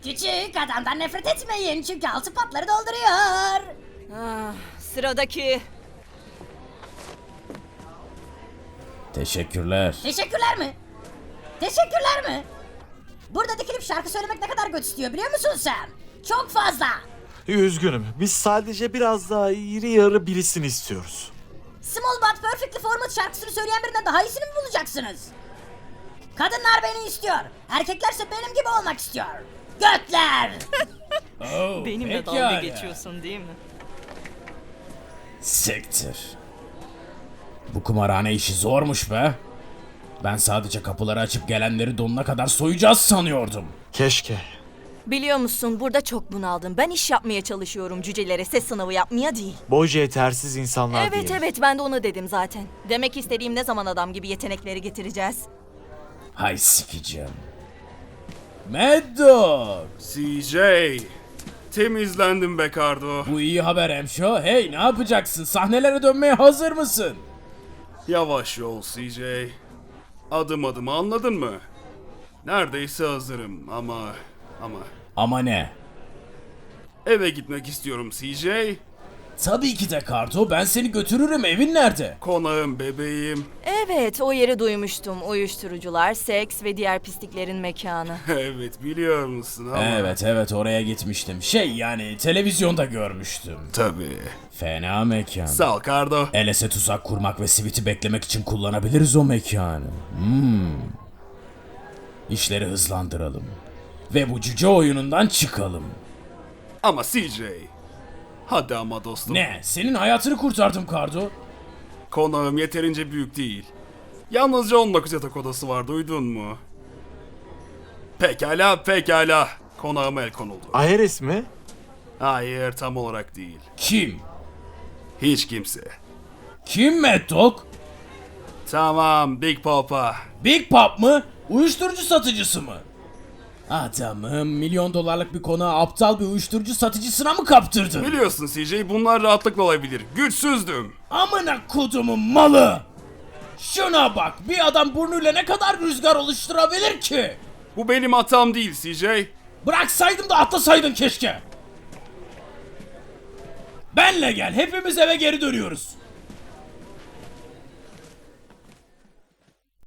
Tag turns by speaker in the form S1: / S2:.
S1: Küçük adamdan nefret etmeyin çünkü altı patları dolduruyor.
S2: Sıradaki.
S3: Teşekkürler.
S1: Teşekkürler mi? Teşekkürler mi? Burada dikilip şarkı söylemek ne kadar göt istiyor biliyor musun sen? Çok fazla.
S4: Üzgünüm. Biz sadece biraz daha iri yarı birisini istiyoruz.
S1: Small But Perfectly Formed şarkısını söyleyen birinden daha iyisini mi bulacaksınız? Kadınlar beni istiyor. Erkeklerse benim gibi olmak istiyor. Götler!
S3: Oh,
S2: Benimle
S3: pekala.
S2: dalga geçiyorsun değil mi?
S3: Siktir. Bu kumarhane işi zormuş be. Ben sadece kapıları açıp gelenleri donuna kadar soyacağız sanıyordum.
S4: Keşke.
S2: Biliyor musun burada çok bunaldım. Ben iş yapmaya çalışıyorum, cücelere ses sınavı yapmaya değil.
S4: Boyca yetersiz insanlar
S2: Evet
S4: diyelim.
S2: evet, ben de onu dedim zaten. Demek istediğim, ne zaman adam gibi yetenekleri getireceğiz?
S3: Hay sikeceğim. Mad Dog.
S5: CJ, temizlendim be Kardo.
S3: Bu iyi haber hemşo. Hey, ne yapacaksın? Sahnelere dönmeye hazır mısın?
S5: Yavaş yol CJ. Adım adım, anladın mı? Neredeyse hazırım ama
S3: Ama ne?
S5: eve gitmek istiyorum CJ.
S3: Tabii ki de Karto. Ben seni götürürüm. Evin nerede?
S5: Konağım bebeğim.
S2: Evet, o yeri duymuştum. Uyuşturucular, seks ve diğer pisliklerin mekanı.
S5: Evet, biliyor musun ama.
S3: Evet oraya gitmiştim. Yani televizyonda görmüştüm.
S5: Tabii.
S3: Fena mekan.
S5: Sağ ol Kardo.
S3: Eles'e tuzak kurmak ve Sweet'i beklemek için kullanabiliriz o mekanı. İşleri hızlandıralım. Ve bu cüce oyunundan çıkalım.
S5: Ama CJ. Hadi ama dostum.
S3: Ne? Senin hayatını kurtardım Kardo.
S5: Konağım yeterince büyük değil. Yalnızca 19 yatak odası var, duydun mu? Pekala. Konağıma el konuldu.
S4: Aeres mi?
S5: Hayır, tam olarak değil.
S3: Kim?
S5: Hiç kimse.
S3: Kim Mad Dog?
S5: Tamam, Big Papa.
S3: Big Pop mı? Uyuşturucu satıcısı mı? Adamım, milyon dolarlık bir konağı aptal bir uyuşturucu satıcısına mı kaptırdın?
S5: Biliyorsun CJ, bunlar rahatlıkla olabilir. Güçsüzdüm.
S3: Amına kodumun malı! Şuna bak, bir adam burnuyla ne kadar rüzgar oluşturabilir ki?
S5: Bu benim hatam değil CJ.
S3: Bıraksaydım da atlasaydın keşke. Benle gel, hepimiz eve geri dönüyoruz.